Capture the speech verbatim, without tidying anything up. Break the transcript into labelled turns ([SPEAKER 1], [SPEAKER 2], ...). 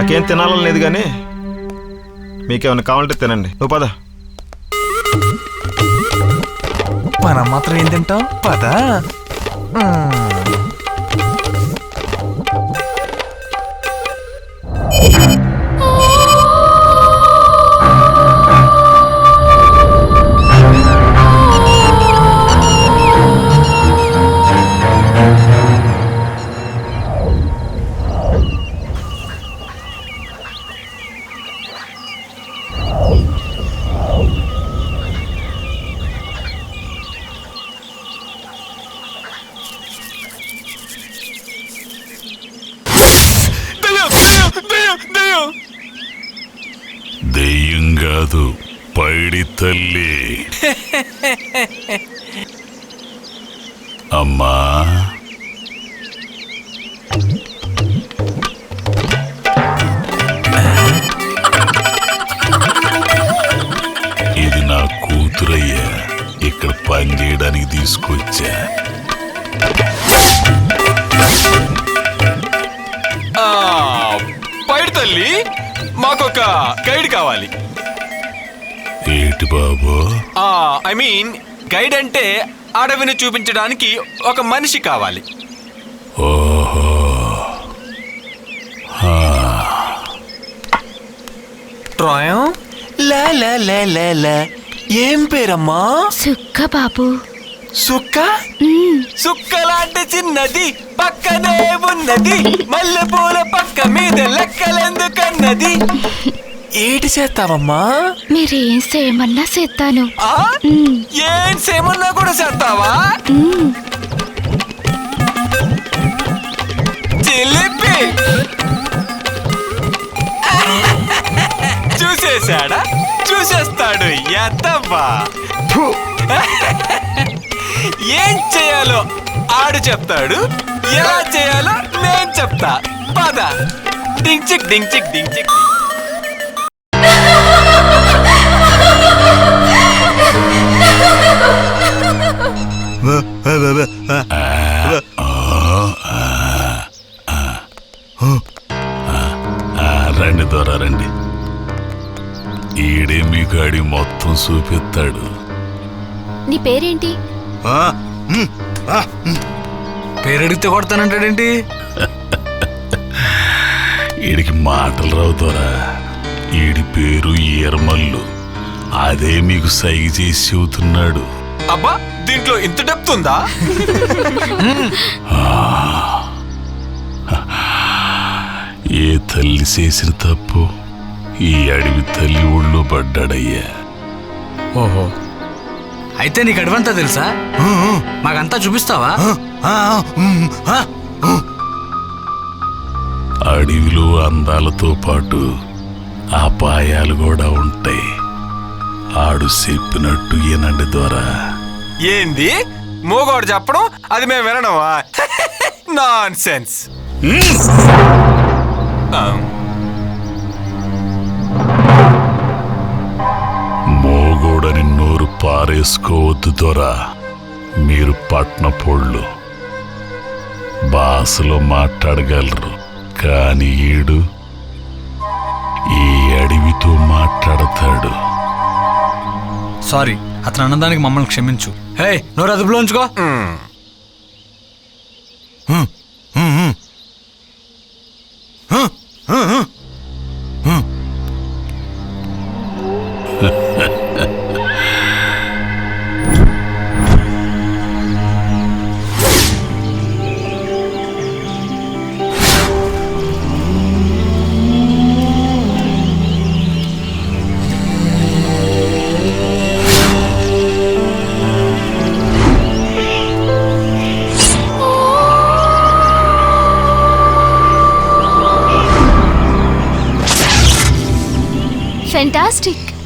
[SPEAKER 1] నాకేం తినాలని లేదు కానీ మీకేమైనా కావాలంటే తినండి. నువ్వు పద.
[SPEAKER 2] మనం మాత్రం ఏం తింటాం? పద.
[SPEAKER 3] దెయ్యం కాదు, పైడి తల్లి. అమ్మా, ఇది నా కూతురయ్యా, ఇక్కడ పని చేయడానికి తీసుకొచ్చా.
[SPEAKER 4] పైడి తల్లి, మాకొక గైడ్ కావాలి.
[SPEAKER 3] ఏటి బాబు?
[SPEAKER 4] ఐ మీన్ గైడ్ అంటే అడవిని చూపించడానికి ఒక మనిషి కావాలి.
[SPEAKER 3] ఓహో,
[SPEAKER 2] ట్రాయం. లా లా లా లా లా. ఏం పేరమ్మా?
[SPEAKER 5] సుక్క బాబు.
[SPEAKER 2] సుక్క?
[SPEAKER 4] సుక్క లాంటి చిన్నది పక్కనే ఉన్నది, మల్లెపూల పక్క మీద లెక్కలెందుకన్నది.
[SPEAKER 2] ఏటి చేస్తావమ్మా?
[SPEAKER 5] మీరేం చేయమన్నా చేస్తాను.
[SPEAKER 4] ఏం సేమన్నా కూడా చేస్తావా? చిలిపి చూసేశాడా? చూసేస్తాడు ఎత్తవ్వా. ఏం చేయాలో ఆడు చెప్తాడు, ఎలా చేయాలో నేను చెప్తా. పద. డింగ్ చిక్ డింగ్ చిక్ డింగ్ చిక్.
[SPEAKER 3] రండి దొర రండి. ఈడే మీ గాడి మొత్తం చూపిస్తాడు.
[SPEAKER 5] నీ పేరేంటి?
[SPEAKER 2] పేరడిగితే కొడతానంటాడేంటి?
[SPEAKER 3] ఈడికి మాటలు రావుతారా? ఈడి పేరు ఈరమల్లు. అదే మీకు సైగ చేసి చెబుతున్నాడు.
[SPEAKER 4] అబ్బా, దీంట్లో ఇంత డెప్త్ ఉందా?
[SPEAKER 3] ఏ తల్లి చేసిన తప్పు ఈ అడవి తల్లి ఒళ్ళో పడ్డాడయ్యా.
[SPEAKER 6] ఓహో, అయితే నీకు అడవంతా తెలుసా? మాకంతా చూపిస్తావా?
[SPEAKER 3] అడవిలో అందాలతో పాటు అపాయాలు కూడా ఉంటాయి. ఆడు చెప్పినట్టు ఈనండి ద్వారా.
[SPEAKER 4] ఏంది మూగోడు చెప్పడం, అది మేము వినడమా? Non sense.
[SPEAKER 3] మోగోడని నోరు పారేసుకోవద్దు దొరా. మీరు పట్నపోళ్ళు భాషలో మాట్లాడగలరు, కాని ఈడు ఈ అడవితో మాట్లాడతాడు.
[SPEAKER 6] సారీ, అతను అన్నదానికి మమ్మల్ని క్షమించు. హే, నోరు అదుపులో ఉంచుకో.
[SPEAKER 5] ఫెంటాస్టిక్.